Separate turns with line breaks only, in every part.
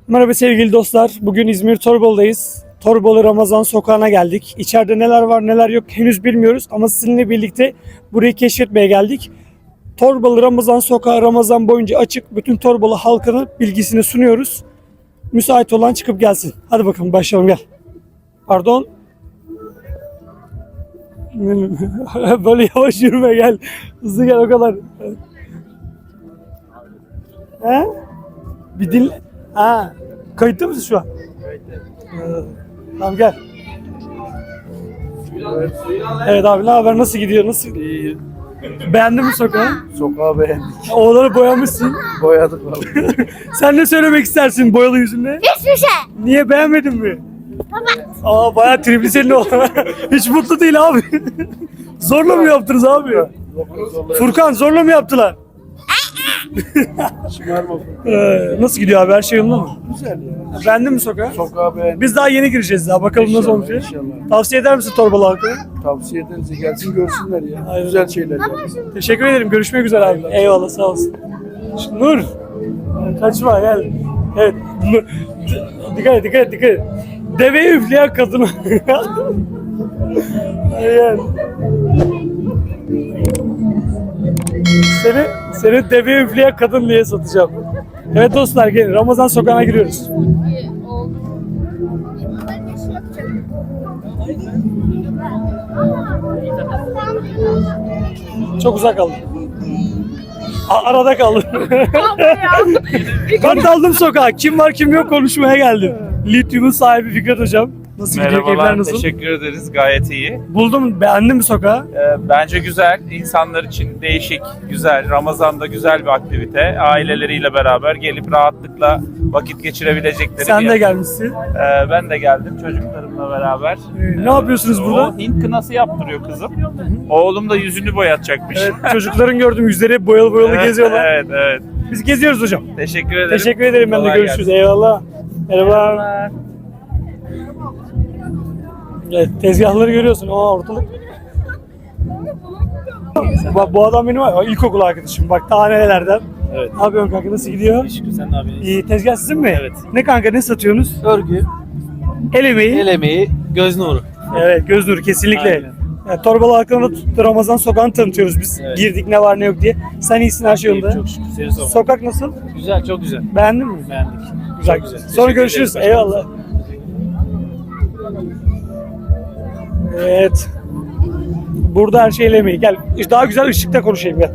Merhaba sevgili dostlar. Bugün İzmir Torbalı'dayız. Torbalı Ramazan Sokağı'na geldik. İçeride neler var neler yok henüz bilmiyoruz ama sizinle birlikte burayı keşfetmeye geldik. Torbalı Ramazan Sokağı Ramazan boyunca açık. Bütün Torbalı halkının bilgisini sunuyoruz. Müsait olan çıkıp gelsin. Hadi bakalım başlayalım gel. Pardon. Böyle yavaş yürüme gel. Hızlı gel o kadar. He? Bir dinle. Ha. Kayıtta mısın şu an? Tamam gel. Evet abi ne haber? Nasıl gidiyor? Nasıl?
İyi.
Beğendin mi sokağı?
Sokağı beğendik.
Oğlanı boyamışsın.
Boyadık abi.
Sen ne söylemek istersin boyalı yüzünle?
Hiçbir şey.
Niye beğenmedin mi?
Evet.
Aa bayağı tripli senin o. Hiç mutlu değil abi. Zorla mı yaptınız abi? Furkan zorla mı yaptılar?
Şımarma.
Nasıl gidiyor abi? Her şey yolunda mı?
Güzel ya.
Beğendin mi sokağı?
Sokağı beğendik.
Biz daha yeni gireceğiz daha. Bakalım nasıl
İnşallah,
olacak.
inşallah.
Tavsiye eder misin Torbalı halkına?
Tavsiye ederiz. Gelsin görsünler ya.
Aynen.
Güzel şeyler ya.
Teşekkür ederim. Görüşmek üzere abi. Eyvallah sağ olsun. Nur. Kaçma gel. Evet. Dikkat et dikkat et dikkat et. Deveyi üfleyen kadını. Aynen. Seni deveyi üfleyen kadın diye satacağım. Evet dostlar gelin. Ramazan Sokağı'na giriyoruz. Çok uzak kaldım. Arada kaldım. Ben daldım sokağa. Kim var kim yok konuşmaya geldim. Lityum'un sahibi Fikret Hocam. Nasıl gidiyor? Keyifler
Merhabalar,
nasıl?
teşekkür ederiz. Gayet iyi.
Buldum, beğendin mi sokağı?
Bence güzel. İnsanlar için değişik, güzel. Ramazan'da güzel bir aktivite. Aileleriyle beraber gelip rahatlıkla vakit geçirebilecekleri
Sen
bir
de
yer.
gelmişsin.
Ben de geldim çocuklarımla beraber.
Ne yapıyorsunuz burada?
O Hint kınası yaptırıyor kızım. Oğlum da yüzünü boyatacakmış.
Evet, çocukların gördüm yüzleri hep boyalı boyalı
Evet,
geziyorlar.
Evet, evet.
Biz geziyoruz hocam.
Teşekkür ederim.
Teşekkür ederim ben de
Kolay
görüşürüz.
gelsin.
Eyvallah. Merhaba. Evet, tezgahları görüyorsun. Aa ortalık. Bak bu adam benim var. İlkokul arkadaşım. Bak daha nerelerden.
Evet.
Ne yapıyorsun kanka? Nasıl gidiyor?
Şükür sen ne yapıyorsun?
İyi. Tezgah sizin mi?
Evet.
Ne kanka ne satıyorsunuz?
Örgü,
El emeği.
el emeği, göz nuru.
Evet göz nuru kesinlikle.
Aynen.
Yani Torbalı halkına da Ramazan Sokağı'nı tanıtıyoruz biz.
Evet.
Girdik ne var ne yok diye. Sen iyisin her şey yolunda.
Çok şükür seni sormalı.
Sokak nasıl?
Güzel, çok güzel.
Beğendin mi?
Beğendik.
Güzel
Çok
güzel.
güzel.
Sonra
Teşekkür
görüşürüz.
ederiz.
Eyvallah. Evet. Burada her şey el emeği. Gel daha güzel ışıkta konuşayım gel.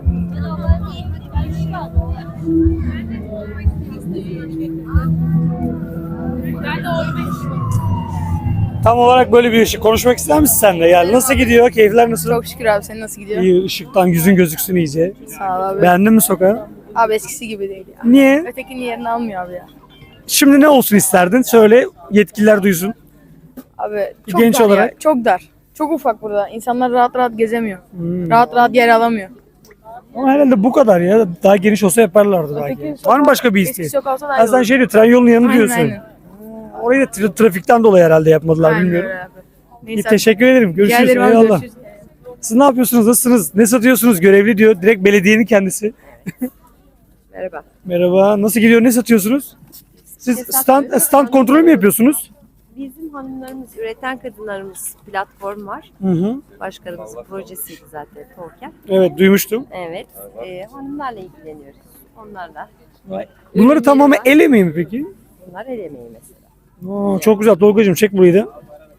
Tam olarak böyle bir ışık. Konuşmak ister misin sen de? Gel. Nasıl gidiyor? Keyifler nasıl?
Çok şükür abi, senin nasıl gidiyor?
İyi. Işıktan yüzün gözüksün iyice.
Sağ ol abi.
Beğendin mi sokağı?
Abi eskisi gibi değil ya.
Niye?
Ötekinin yerini almıyor abi ya.
Şimdi ne olsun isterdin? Söyle yetkililer duysun.
Abi çok
Genç
dar
olarak.
ya. Çok dar. Çok ufak burada. İnsanlar rahat rahat gezemiyor.
Hmm.
Rahat rahat yer alamıyor.
Ama herhalde bu kadar ya. Daha geniş olsa yaparlardı belki.
Öteki
Var mı başka bir
eski
isteğin?
sokak olsa daha
Ha
iyi
sen
olur.
şey diyor, tren yolunun yanını
Aynen,
diyorsun.
aynen.
Orayı da trafikten dolayı herhalde yapmadılar
Aynen
bilmiyorum.
öyle abi.
İyi,
Neyse.
teşekkür ederim.
Rica
Görüşürüz.
ederim abi,
Eyvallah.
görüşürüz.
Siz ne yapıyorsunuz? Nasılsınız? Ne satıyorsunuz? Görevli diyor. Direkt belediyenin kendisi.
Merhaba.
Merhaba. Nasıl gidiyor? Ne satıyorsunuz? Siz stand kontrolü mü yapıyorsunuz?
Bizim hanımlarımız, üreten kadınlarımız platform var.
Hı hı.
Başkanımızın projesiydi zaten Torken.
Evet duymuştum.
Evet. Hanımlarla ilgileniyoruz. Onlarla.
Bunları tamamen el emeği mi peki?
Bunlar el emeği mesela.
Oo, çok güzel. Tolgacığım çek burayı da.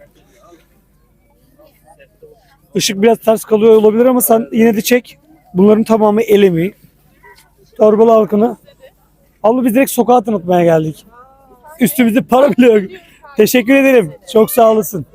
Işık biraz ters kalıyor olabilir ama sen yine de çek. Bunların tamamı el emeği. Torbalı halkını. Abla biz direkt sokağa tanıtmaya geldik. Üstümüzde para bile yok. Teşekkür ederim. Çok sağ olasın.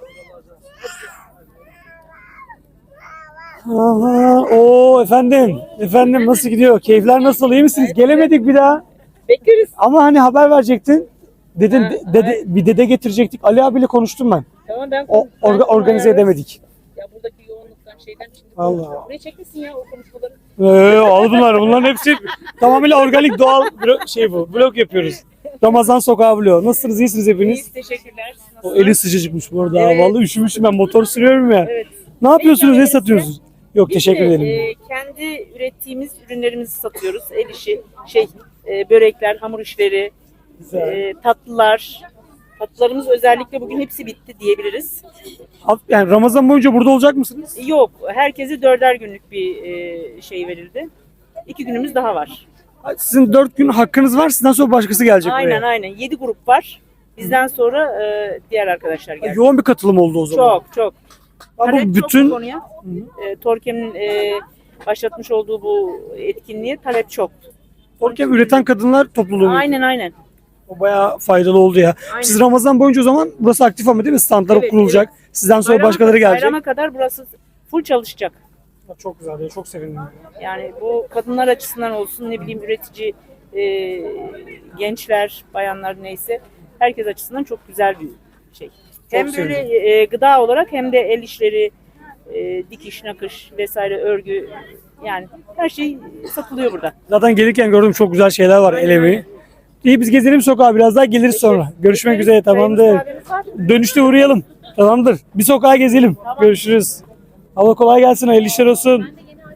Aha, o efendim. Efendim nasıl gidiyor? Keyifler nasıl? İyi misiniz? Gelemedik bir daha.
Bekleriz.
Ama hani haber verecektin. Dedin bir dede getirecektik. Ali abiyle konuştum ben.
Tamam ben
Organize edemedik.
Ya buradaki yoğunluktan şeyden şimdi.
Allah.
Buraya çekmesin ya o konuşmaları.
Al bunlar. Bunların hepsi tamamıyla organik doğal şey bu. Vlog yapıyoruz. Ramazan Sokağı vlogu. Nasılsınız? İyisiniz hepiniz?
İyiyiz, teşekkürler.
O eli sıcacıkmış bu arada.
Evet.
Vallahi üşümüşüm ben. Motor sürüyorum ya.
Evet.
Ne yapıyorsunuz? Ne
Biz de-
satıyorsunuz? Yok
Biz
teşekkür
de,
ederim.
kendi ürettiğimiz ürünlerimizi satıyoruz. El işi, börekler, hamur işleri, Tatlılar. Tatlılarımız özellikle bugün hepsi bitti diyebiliriz.
Yani Ramazan boyunca burada olacak mısınız?
Yok, herkese 4'er günlük bir şey verildi. 2 günümüz daha var.
Sizin 4 gün hakkınız var. Sizden sonra başkası gelecek
Aynen
buraya.
aynen. 7 grup var. Bizden sonra diğer arkadaşlar geldi.
Yoğun bir katılım oldu o zaman.
Çok çok.
Ama
Talep çok
bütün
bu konuya. Torkem'in başlatmış olduğu bu etkinliğe talep çok.
Torkem üreten kadınlar topluluğu.
Aynen aynen.
O bayağı faydalı oldu ya.
Aynen.
Siz Ramazan boyunca o zaman burası aktif ama değil mi? Standlar
Evet,
kurulacak. Sizden sonra
Bayrama-
başkaları gelecek.
Bayrama kadar burası full çalışacak.
Çok güzel ya. Çok sevindim.
Yani bu kadınlar açısından olsun, ne bileyim üretici gençler, bayanlar neyse herkes açısından çok güzel bir şey. Hem böyle gıda olarak hem de el işleri, dikiş, nakış vesaire, örgü, yani her şey satılıyor burada.
Zaten gelirken gördüm çok güzel şeyler var el emeği. İyi biz gezelim sokağa biraz daha geliriz sonra. Görüşmek üzere tamamdır. Dönüşte uğrayalım. Tamamdır. Bir sokağa gezelim. Görüşürüz. Abla kolay gelsin. Hayırlı işler olsun.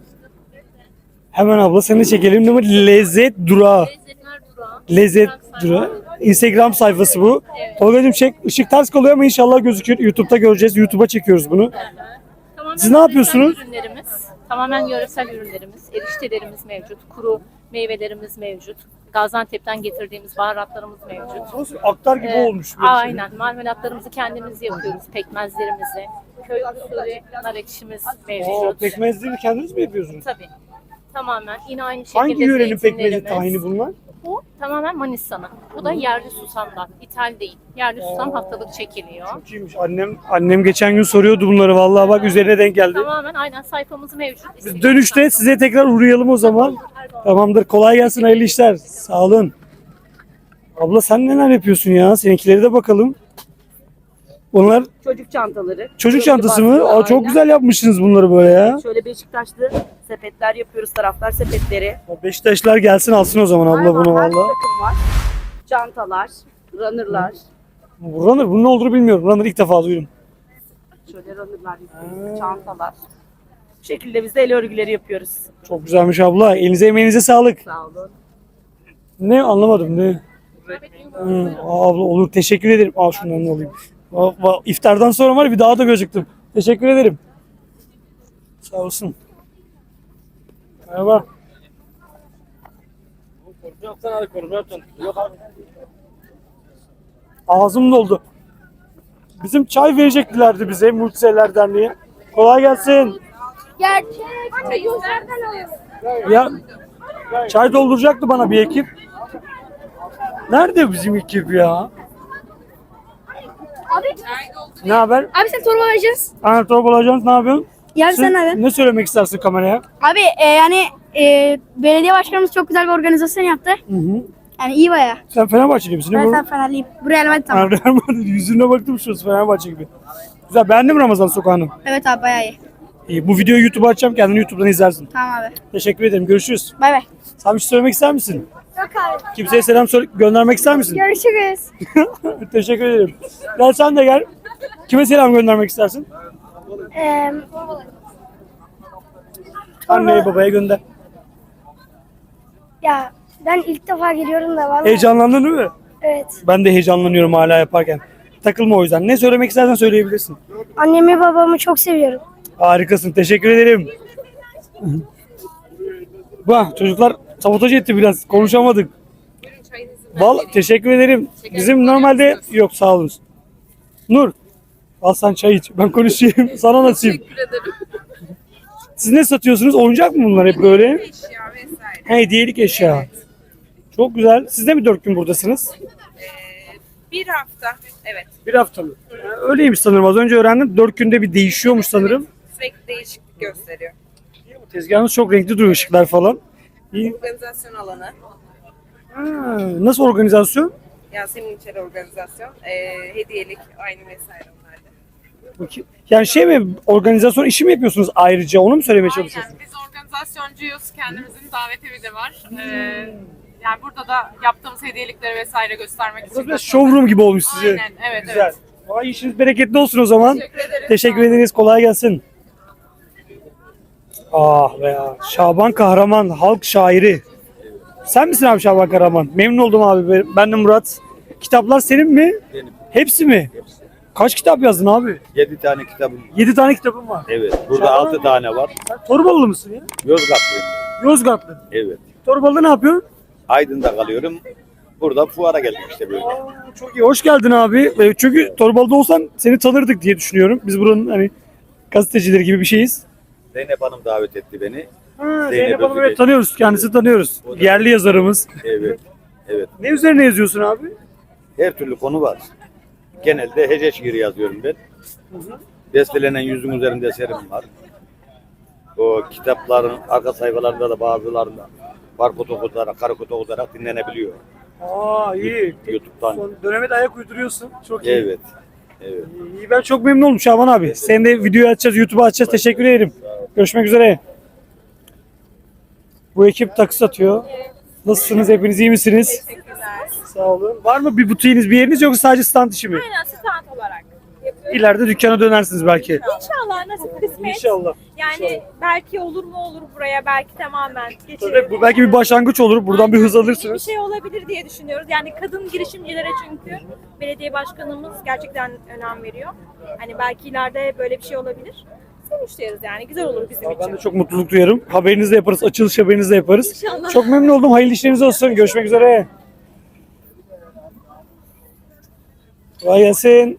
Hemen abla seni çekelim. Değil mi? Lezzet Durağı. Lezzet Durağı. Instagram sayfası bu. Tolga'cığım çek. Işık ters kalıyor ama inşallah gözükür. YouTube'da göreceğiz. YouTube'a çekiyoruz bunu.
Tamamen
Siz ne yapıyorsunuz?
yöresel ürünlerimiz, tamamen yöresel ürünlerimiz, eriştelerimiz mevcut, kuru meyvelerimiz mevcut, Gaziantep'ten getirdiğimiz baharatlarımız mevcut.
Aktar gibi olmuş. böyle şey.
Aynen, marmelatlarımızı kendimiz yapıyoruz, pekmezlerimizi, köy usulü nar ekşimiz mevcut.
Oo, pekmezleri kendiniz mi yapıyorsunuz?
Tabii, tamamen yine aynı şekilde
Hangi yörenin pekmezi
zeytinlerimiz.
tahini bunlar?
Bu tamamen Manisa'nın. Bu da yerli susamdan, ithal değil. Yerli susam haftalık çekiliyor.
Çok iyiymiş. Annem geçen gün soruyordu bunları. Vallahi bak üzerine denk geldi.
Tamamen aynen sayfamız mevcut.
Biz dönüşte size tekrar uğrayalım o zaman. Tamamdır. Kolay gelsin. Hayırlı işler. Sağ olun. Abla sen neler yapıyorsun ya? Seninkileri de bakalım. Onlar
Çocuk çantaları.
çocuk çantası mı?
baskılı,
Aa, çok
aynen.
güzel yapmışsınız bunları böyle ya.
Şöyle Beşiktaşlı sepetler yapıyoruz, taraftar sepetleri.
Beşiktaşlar gelsin alsın o zaman abla bunu
Hayvan, her
valla.
takım var. Çantalar, runnerlar.
Runner bunun ne olduğunu bilmiyorum. Runner ilk defa duydum.
Şöyle runnerlar yapıyoruz, çantalar. Bu şekilde biz de el örgüleri yapıyoruz.
Çok güzelmiş abla. Elinize emeğinize sağlık.
Sağ olun.
Ne anlamadım ne? Abla olur teşekkür ederim. Al şundan alayım. İftardan sonra var ya bir daha da gözüktüm. Teşekkür ederim. Sağ olsun. Merhaba. Ağzım doldu. Bizim çay vereceklerdi bize Mucizeler Derneği. Kolay gelsin. Ya çay dolduracaktı bana bir ekip. Nerede bizim ekip ya? Ne haber?
Abi sen torba vereceğiz.
Ana torba ajansı ne yapıyorsun?
Ya sen abi.
Ne söylemek istersin kameraya?
Abi belediye başkanımız çok güzel bir organizasyon yaptı.
Hı hı.
Yani iyi baya.
Sen Fenerbahçeli misin?
Ben
Ne bu?
sen Fenerliyim. Buraya elbette tamam.
Real Madrid. Yüzüne baktım şurası Fenerbahçe gibi. Güzel. Beğendin mi Ramazan Sokağı'nı?
Evet abi baya iyi.
İyi. Bu videoyu YouTube'a açacağım. Kendini YouTube'dan izlersin.
Tamam abi.
Teşekkür ederim. Görüşürüz.
Bay bay.
Sen bir şey söylemek ister misin?
Yok abi.
Kimseye selam göndermek ister misin?
Görüşürüz.
Teşekkür ederim. Gel sen de gel. Kime selam göndermek istersin? Anneye babaya gönder.
Ya ben ilk defa geliyorum da vallahi.
Heyecanlandın değil mi?
Evet.
Ben de heyecanlanıyorum hala yaparken. Takılma o yüzden. Ne söylemek istersen söyleyebilirsin.
Annemi babamı çok seviyorum.
Harikasın. Teşekkür ederim. Bak çocuklar sabotaj etti biraz. Konuşamadık. Vallahi teşekkür ederim. Bizim normalde yok sağ olun. Nur. Al sen çay iç. Ben konuşayım. Sana nasip. Teşekkür ederim. Siz ne satıyorsunuz? Oyuncak mı bunlar hep böyle?
Eşya vesaire.
Hediyelik eşya. Çok güzel. Siz de mi 4 gün buradasınız?
Bir hafta. Evet.
Bir hafta mı? Öyleymiş sanırım. Az önce öğrendim. 4 günde bir değişiyormuş sanırım.
Sürekli değişiklik gösteriyor.
Tezgahınız çok renkli duruyor ışıklar falan. İyi.
Organizasyon alanı.
Ha, nasıl organizasyon?
Yasemin İçeri organizasyon. Hediyelik aynı vesaire onlarda.
Bakayım. Yani şey mi organizasyon işi mi yapıyorsunuz ayrıca onu mu söylemeye çalışıyorsunuz?
Aynen. Biz organizasyoncuyuz. Kendimizin davet evi de var. Yani burada da yaptığımız hediyelikleri vesaire göstermek için.
Burası biraz showroom gibi olmuş size.
Aynen. Evet,
Güzel.
evet.
Vay işiniz bereketli olsun o zaman.
Teşekkür ederiz.
Teşekkür ederiz. Kolay gelsin. Ah be ya. Şaban Kahraman halk şairi. Sen misin abi Şaban Karaman? Memnun oldum abi. Ben de Murat. Kitaplar senin mi?
Benim.
Hepsi mi? Kaç kitap yazdın abi?
7 tane kitabım var.
7 tane kitabım var.
Evet. Burada
Şaban
6 tane var.
Sen Torbalılı mısın ya?
Yozgatlıyım.
Yozgatlı.
Evet.
Torbalı'da ne yapıyorsun?
Aydın'da kalıyorum. Burada fuara geldik işte böyle.
Çok iyi. Hoş geldin abi. Çünkü Torbalı'da olsan seni tanırdık diye düşünüyorum. Biz buranın hani gazetecileri gibi bir şeyiz.
Zeynep Hanım davet etti beni.
Zeynep Hanım'ı
Özbey.
evet tanıyoruz. Kendisi tanıyoruz. Yerli yazarımız.
Evet. Evet.
Ne üzerine yazıyorsun abi?
Her türlü konu var. Genelde hece şiiri yazıyorum ben. Bestelenen yüzün üzerinde eserim var. O kitapların arka sayfalarında da bazılarında barkod okutarak, karakod okutarak dinlenebiliyor.
Aa iyi.
YouTube'dan.
Son döneme de ayak uyduruyorsun. Çok iyi.
Evet. Evet.
İyi, ben çok memnun oldum Şaban abi. Seni de videoyu açacağız, YouTube'a açacağız. Teşekkür ederim. Görüşmek üzere. Bu ekip takı satıyor. Nasılsınız? Hepiniz iyi misiniz? Sağ olun. Var mı bir butiğiniz, bir yeriniz yoksa sadece stand işi mi?
Aynen stand olarak.
İleride dükkana dönersiniz belki.
İnşallah nasıl kısmet.
İnşallah.
Yani belki olur mu olur buraya, belki tamamen
Tabii,
geçirir.
bu belki bir başlangıç olur. Buradan bir hız
Bir
alırsınız.
şey olabilir diye düşünüyoruz. Yani kadın girişimcilere çünkü belediye başkanımız gerçekten önem veriyor. Hani belki ileride böyle bir şey olabilir. Sevinçleriz yani. Güzel olur bizim için.
Ben de çok mutluluk duyarım. Haberinizi de yaparız. Açılış haberinizi de yaparız.
İnşallah.
Çok memnun oldum. Hayırlı işleriniz olsun. Görüşmek üzere. Kolay gelsin.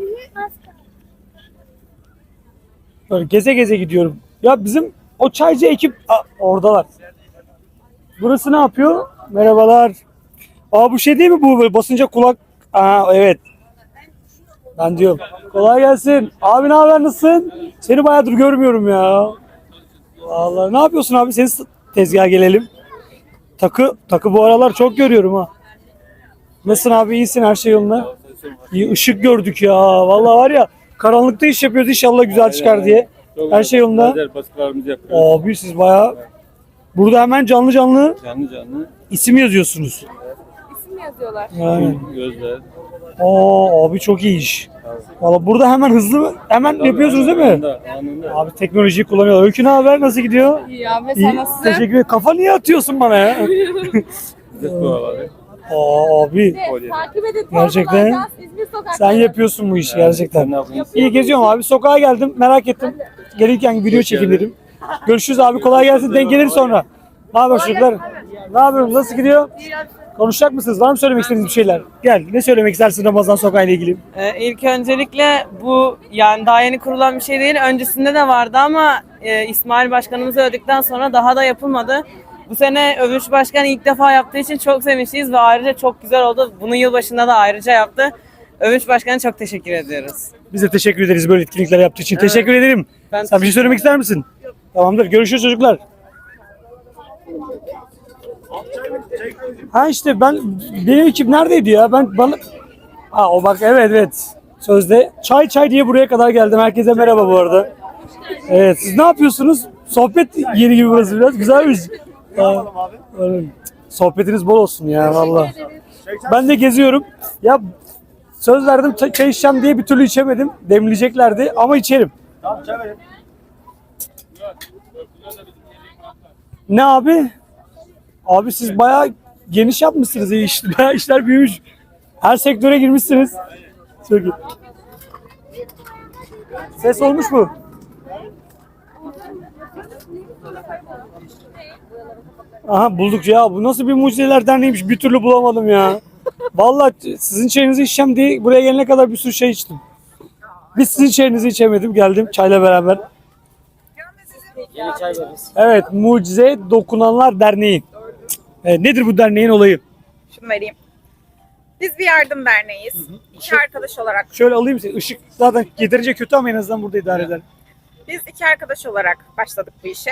Böyle geze geze gidiyorum. Ya bizim o çaycı ekip oradalar. Burası ne yapıyor? Merhabalar. Aa bu şey değil mi bu böyle basınca kulak? Aa evet. Ben diyorum. Kolay gelsin. Abi ne haber, nasılsın? Seni bayağıdır görmüyorum ya. Vallahi ne yapıyorsun abi? Senin tezgaha gelelim. Takı bu aralar çok görüyorum ha. Nasılsın abi, iyisin, her şey yolunda? İyi, ışık gördük ya. Vallahi var ya, karanlıkta iş yapıyoruz, inşallah güzel çıkar diye. Her şey yolunda. Abi siz bayağı burada hemen canlı canlı isim yazıyorsunuz.
İsim yazıyorlar.
Yani. Abi çok iyi iş. Valla burada hemen hızlı hemen yapıyorsunuz değil mi? Abi teknolojiyi kullanıyorlar. Öykü ne haber? Nasıl gidiyor?
İyi abi,
İyi.
sen nasılsın?
Teşekkür ederim. Kafa niye atıyorsun bana ya? Abi
Takip edin.
Gerçekten.
Torbalardan İzmir sokakları.
sen yapıyorsun bu işi gerçekten. İyi geziyorum abi. Sokağa geldim. Merak ettim. Gelirken video çekin dedim. Görüşürüz abi. Kolay gelsin. Denk gelir sonra. Ne haber çocuklar? Ne yapıyorsun? Nasıl gidiyor? Konuşacak mısınız? Var mı söylemek istediğiniz bir şeyler? Gel. Ne söylemek istersin Ramazan Sokağı ile ilgili?
İlk öncelikle bu yani daha yeni kurulan bir şey değil. Öncesinde de vardı ama İsmail Başkanımız öldükten sonra daha da yapılmadı. Bu sene Övünç Başkan ilk defa yaptığı için çok sevinçliyiz ve ayrıca çok güzel oldu. Bunu yılbaşında da ayrıca yaptı. Övünç Başkan'a çok teşekkür ediyoruz.
Biz de teşekkür ederiz böyle etkinlikler yaptığı için.
Evet.
Teşekkür ederim.
Ben
Sen bir şey söylemek ister misin? Tamamdır. Görüşürüz çocuklar. Ha işte benim ekip neredeydi ya? O bak evet. Sözde çay diye buraya kadar geldim. Herkese merhaba bu arada. Evet, siz ne yapıyorsunuz? Sohbet yeri gibi burası biraz. Güzelmiş. Sohbetiniz bol olsun ya vallahi. Ben de geziyorum. Ya söz verdim çay içeceğim diye bir türlü içemedim. Demleyeceklerdi ama içerim. Tamam, çay verin. Ne abi? Abi siz bayağı geniş yapmışsınız. Bayağı işler büyümüş. Her sektöre girmişsiniz. Çok iyi. Ses olmuş mu? Aha bulduk ya. Bu nasıl bir mucizeler derneğiymiş. Bir türlü bulamadım ya. Vallahi sizin çayınızı içeceğim diye buraya gelene kadar bir sürü şey içtim. Biz sizin çayınızı içemedim. Geldim çayla beraber. Evet, Mucize Dokunanlar Derneği. Nedir bu derneğin olayı?
Şunu vereyim. Biz bir yardım derneğiyiz. İki arkadaş olarak.
Şöyle alayım seni. Işık zaten yeterince kötü ama en azından burada idare eder.
Biz iki arkadaş olarak başladık bu işe.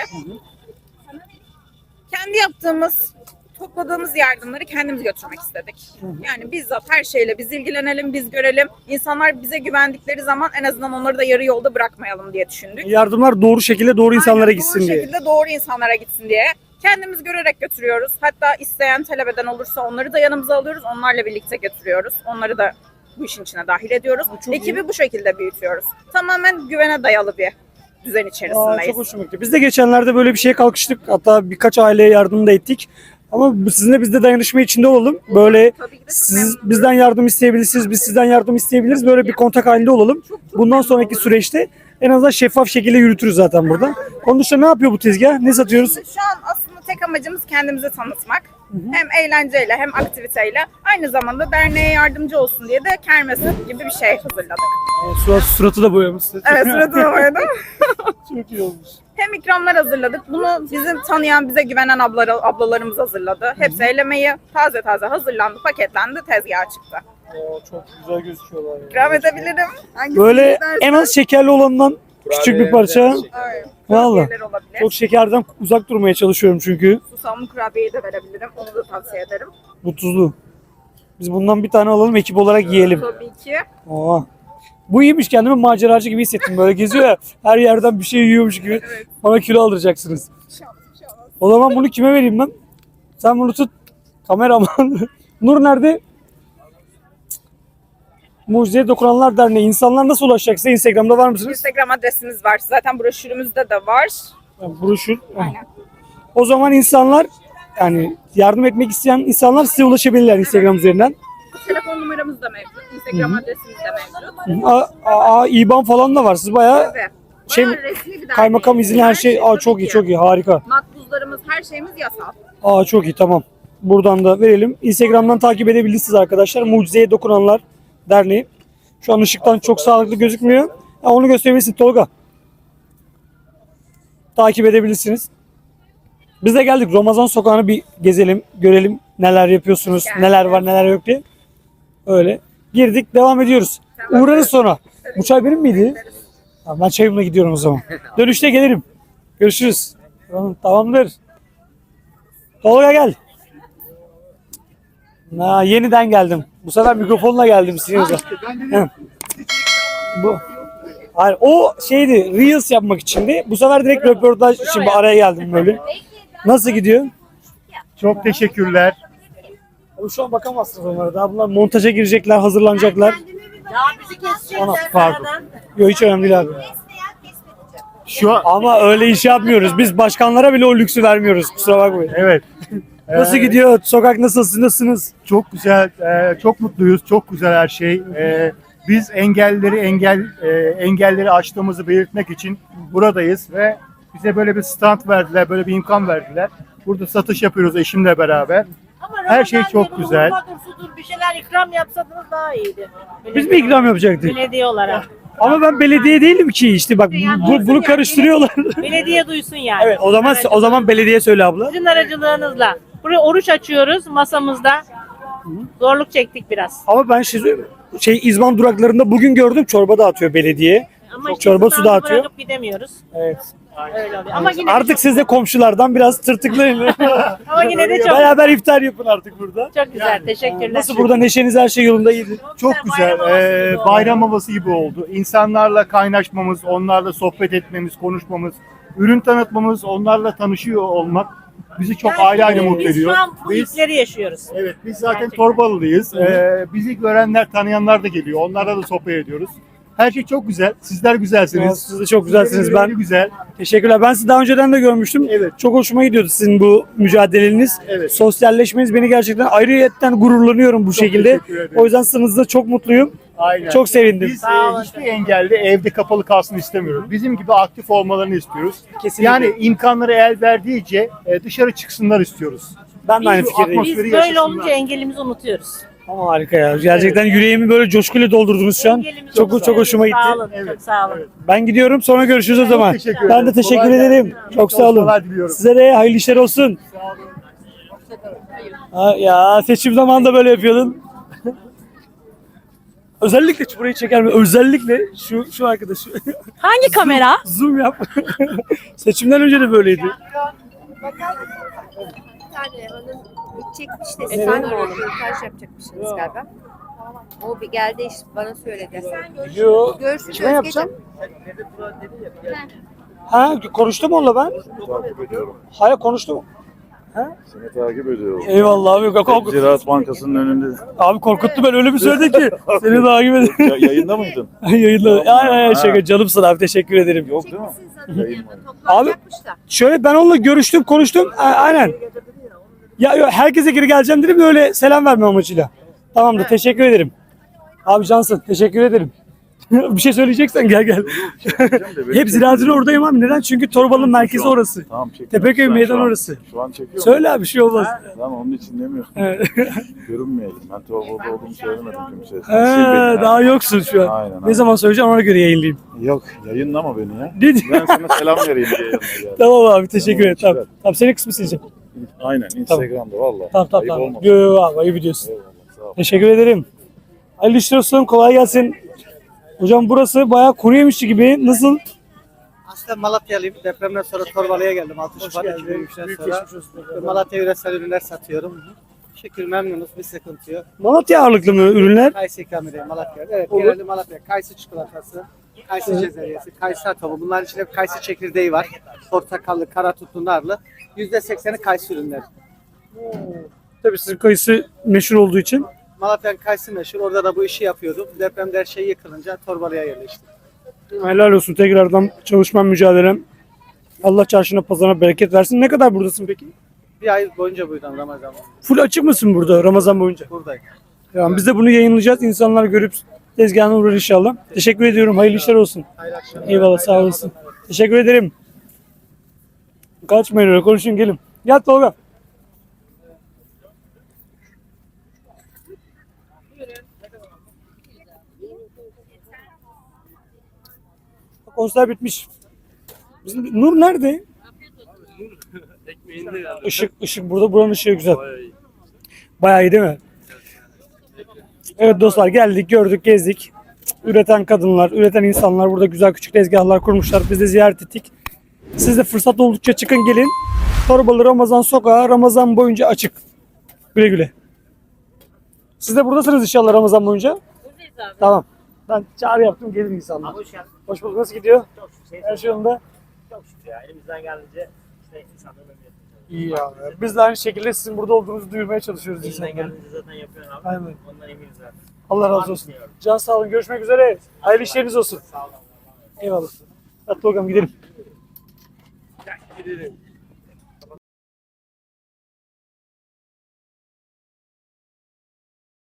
Kendi yaptığımız, topladığımız yardımları kendimiz götürmek istedik. Yani bizzat her şeyle biz ilgilenelim, biz görelim. İnsanlar bize güvendikleri zaman en azından onları da yarı yolda bırakmayalım diye düşündük.
Yardımlar doğru şekilde doğru insanlara
Aynen,
gitsin
doğru
diye.
şekilde doğru insanlara gitsin diye. Kendimiz görerek götürüyoruz. Hatta isteyen, talep eden olursa onları da yanımıza alıyoruz. Onlarla birlikte götürüyoruz. Onları da bu işin içine dahil ediyoruz. Ekibi bu şekilde büyütüyoruz. Tamamen güvene dayalı bir düzen içerisindeyiz.
Çok hoşuma gitti. Biz de geçenlerde böyle bir şeye kalkıştık. Hatta birkaç aileye yardım da ettik. Ama sizinle biz de dayanışma içinde olalım. Böyle siz bizden yardım isteyebilirsiniz, biz sizden yardım isteyebiliriz. Böyle bir kontak halinde olalım. Bundan sonraki süreçte en azından şeffaf şekilde yürütürüz zaten burada. Onun dışında ne yapıyor bu tezgah? Ne satıyoruz?
Şu an aslında tek amacımız kendimizi tanıtmak. Hem eğlenceyle hem aktiviteyle. Aynı zamanda derneğe yardımcı olsun diye de kermes gibi bir şey hazırladık.
Suratı da boyamışsın.
Evet, suratına boyadım.
Çok iyi olmuş.
Hem ikramlar hazırladık. Bunu bizim tanıyan, bize güvenen ablalarımız hazırladı. Hepsi el emeği taze taze hazırlandı, paketlendi, tezgaha çıktı.
Çok güzel gözüküyorlar. Ya.
İkram edebilirim. Hangisini
Böyle
istersen.
en az şekerli olandan küçük bir parça.
Evet.
Vallahi.
Kurabiyeler olabilir.
Çok şekerden uzak durmaya çalışıyorum çünkü.
Susamlı kurabiyeyi de verebilirim. Onu da tavsiye ederim.
Bu tuzlu. Biz bundan bir tane alalım, ekip olarak yiyelim.
Tabii ki.
Aa. Bu iyiymiş, kendimi maceracı gibi hissettim. Böyle geziyor ya, her yerden bir şey yiyormuş gibi. Bana kilo aldıracaksınız. O zaman bunu kime vereyim ben? Sen bunu tut. Kameraman. Nur nerede? Mucizeye Dokunanlar Derneği. İnsanlar nasıl ulaşacak size? Instagram'da var mısınız?
Instagram adresimiz var. Zaten broşürümüzde de var.
Broşür.
Aynen.
O zaman insanlar, yani yardım etmek isteyen insanlar size ulaşabilirler Instagram üzerinden.
Telefon numaramız da mevcut. Instagram adresimiz de mevcut.
İBAN falan da var. Siz bayağı
Tabii.
şey,
Bayağı resmi bir derneğiz.
kaymakam izinli her şey.
Tabii
Çok iyi,
ki.
çok iyi, harika.
Makbuzlarımız, her şeyimiz yasal.
Çok iyi, tamam. Buradan da verelim. Instagram'dan takip edebilirsiniz arkadaşlar. Mucizeye Dokunanlar Derneği. Şu an ışıktan çok sağlıklı gözükmüyor. Onu gösterebilirsin Tolga. Takip edebilirsiniz. Biz de geldik. Ramazan Sokağı'nı bir gezelim, görelim neler yapıyorsunuz, neler var, neler yok diye. Öyle. Girdik, devam ediyoruz. Uğrarız sonra. Bu çay benim miydi? Tamam, ben çayımla gidiyorum o zaman. Dönüşte gelirim. Görüşürüz. Tamamdır. Tolga gel. Yeniden geldim. Bu sefer mikrofonla geldim size. Bu. Hayır, o şeydi, Reels yapmak içindi. Bu sefer direkt röportaj için araya geldim böyle. Nasıl gidiyor?
Çok teşekkürler.
Şu an bakamazsınız onlara. Daha bunlar montaja girecekler, hazırlanacaklar. Pardon. Yok, hiç önemli değil abi. Ama öyle iş yapmıyoruz. Biz başkanlara bile o lüksü vermiyoruz. Kusura bakmayın.
Evet.
Nasıl gidiyor? Sokak nasıl? Nasılsınız?
Çok güzel, çok mutluyuz. Çok güzel her şey. Biz engelleri aştığımızı belirtmek için buradayız ve bize böyle bir stand verdiler, böyle bir imkan verdiler. Burada satış yapıyoruz eşimle beraber. Her şey çok güzel.
Bir şeyler ikram yapsadınız daha iyiydi.
Biz mi ikram yapacaktık?
Belediye olarak.
Ama ben belediye değilim ki işte bak bunu karıştırıyorlar.
Belediye duysun yani.
Evet, o zaman belediye söyle abla.
Sizin aracılığınızla. Buraya oruç açıyoruz masamızda. Zorluk çektik biraz.
Ama ben İzban duraklarında bugün gördüm, çorba dağıtıyor belediye.
Ama işte
Çorba su
standı
dağıtıyor.
bırakıp gidemiyoruz.
Evet.
Öyle oluyor. Ama yine
Artık siz de komşulardan biraz tırtıklayın.
Ama yine de çok
Beraber iftar yapın artık burada.
çok güzel. Teşekkürler.
Nasıl burada neşeniz, her şey yolunda iyiydi?
Çok güzel. Bayram havası gibi oldu. İnsanlarla kaynaşmamız, onlarla sohbet etmemiz, konuşmamız, ürün tanıtmamız, onlarla tanışıyor olmak bizi çok ayrı ayrı mutlu ediyor.
Biz şu an bu ilkleri yaşıyoruz.
Evet, biz zaten Torbalılıyız. Bizi görenler, tanıyanlar da geliyor. Onlarla da sohbet ediyoruz. Her şey çok güzel. Sizler güzelsiniz.
Siz de çok güzelsiniz.
Sizlerin
Ben
yeri güzel.
teşekkürler. Ben sizi daha önceden de görmüştüm.
Evet.
Çok hoşuma gidiyordu sizin bu mücadeleniz.
Evet.
Sosyalleşmeniz beni gerçekten ayrıyetten gururlanıyorum bu şekilde.
teşekkür ederim.
O yüzden sınızda çok mutluyum.
Aynen.
Çok sevindim.
Biz hiçbir engelli evde kapalı kalsın istemiyoruz. Bizim gibi aktif olmalarını istiyoruz.
Kesinlikle.
Yani imkanları el verdiğince dışarı çıksınlar istiyoruz.
Ben de aynı
Bu
fikirdeyim.
Biz
atmosferi
böyle
yaşasınlar.
olunca engelimizi unutuyoruz.
Ama harika ya. Gerçekten yüreğimi böyle coşkuyla doldurdunuz şu an.
Engelimizi
Çok
unutuyoruz.
hoşuma gitti.
Sağ olun. Çok sağ olun.
Ben gidiyorum, sonra görüşürüz o zaman.
teşekkür
Ben de
ederim.
teşekkür
Kolay
ederim.
gelsin.
Çok
İyi
sağ olun.
çalışmalar diliyorum.
Size de hayırlı işler olsun. Ya seçim zamanında böyle yapıyordun. Özellikle burayı çeker mi? Özellikle şu arkadaşı.
Hangi kamera?
Zoom yap. Seçimden önce de böyleydi.
Bir tane hanım çekmiş de sen röportaj yapacakmışsınız galiba. O bir geldi işte bana söyledi.
Yo.
Görsün
Kime yapacağım? Ha, konuştum onunla ben.
Takip ediyorum.
Hayır, konuştum.
Seni takip ediyorum.
Eyvallah abi.
Ziraat Bankası'nın önünde.
Abi korkuttu, ben öyle bir söyledin ki. Seni takip ederim.
Yayında mıydın?
Yayınla. Ay şaka, canımsın abi, teşekkür ederim.
Yok değil mi? Yayın var.
Abi şöyle ben onunla görüştüm, konuştum. Aynen. Ya yok, herkese geri geleceğim dedim de öyle selam verme amacıyla. Tamamdır, teşekkür ederim. Abi cansın, teşekkür ederim. Bir şey söyleyeceksen gel. Hep Ziraat'ın oradayım abi. Neden? Çünkü Torbalı'nın merkezi orası.
Tamam çekiyorum.
Tepeköy
Şu an-
meydan
şu an-
orası.
Şu an çekiyorum.
Söyle abi, bir şey olmaz.
Tamam onun için demiyorum.
Evet.
Görünmeyelim. Ben Torbalı'da olduğumu söylemedim kimseye.
Daha yoksun şu an.
Aynen,
Ne zaman söyleyeceğim ona göre yayınlayayım.
Yok yayınlama beni ya.
Ne diyor?
Ben sana selam vereyim diye yanına
Tamam abi, teşekkür ederim.
Tamam,
Tamam. Tamam, senin kısmı sileceğim.
Aynen Instagram'da valla.
Tamam
Ayıp
tamam.
olmasın.
Yo abi, ayıp ediyorsun.
Eyvallah, sağ ol.
Teşekkür ederim. Hayırlı işler olsun, kolay gelsin. Hocam burası bayağı kuru yemişçi gibi. Nasıl?
Aslında Malatyalıyım. Depremden sonra Torbalı'ya geldim. 6 Şubat 2023'ten sonra. Malatya yöresel ürünler satıyorum. Şükür memnunuz. Bir sıkıntı yok.
Malatya ağırlıklı mı ürünler?
Kayısı ikram edeyim Malatya'da. Evet,
Olur.
genelde Malatya. Kayısı çikolatası, kayısı cezeryesi, kayısı atomu. Bunların içinde kayısı çekirdeği var. Portakallı, kara tutlu, narlı. %80'i kayısı ürünleri.
Tabii sizin kayısı meşhur olduğu için.
Malatya'nın kayısı meşhur. Orada da bu işi yapıyordum. Depremde her şey yıkılınca Torbalı'ya yerleştim.
Helal olsun tekrardan çalışman, mücadelem. Allah çarşına pazarına bereket versin. Ne kadar buradasın peki?
Bir ay boyunca buydum Ramazan'da.
Full açık mısın burada Ramazan boyunca?
Buradayım.
Tamam, biz de bunu yayınlayacağız. İnsanlar görüp tezgahına uğrar inşallah. Teşekkür ediyorum. Hayırlı işler olsun.
Hayırlı akşamlar.
Eyvallah, sağ olasın. Teşekkür ederim. Kaçmayın öyle, konuşun gelin. Gel Tolga. Konser bitmiş. Bizim Nur nerede? Işık burada, buranın ışığı güzel. Bayağı iyi değil mi? Evet dostlar, geldik, gördük, gezdik. Üreten kadınlar, üreten insanlar burada güzel küçük tezgahlar kurmuşlar. Biz de ziyaret ettik. Siz de fırsat oldukça çıkın gelin. Torbalı Ramazan Sokağı Ramazan boyunca açık. Güle güle. Siz de buradasınız inşallah Ramazan boyunca.
Buradayız abi.
Tamam. Ben çağrı yaptım, gelin insanlar.
Hoş geldin.
Hoş bulduk. Nasıl gidiyor?
Çok şükür.
Her şey yolunda.
Çok şükür ya. Elimizden geldiğince işte insanların
İyi ya. Biz de aynı şekilde sizin burada olduğunuzu duyurmaya çalışıyoruz
elimizden
insanlara.
geldiğince zaten yapıyorsun abi.
Aynen.
Ondan eminiz zaten.
Allah razı olsun. Can sağ olun. Görüşmek üzere. Hayırlı işleriniz olsun.
Sağ olun.
Eyvallah. Hadi bakalım gidelim.
Gidelim.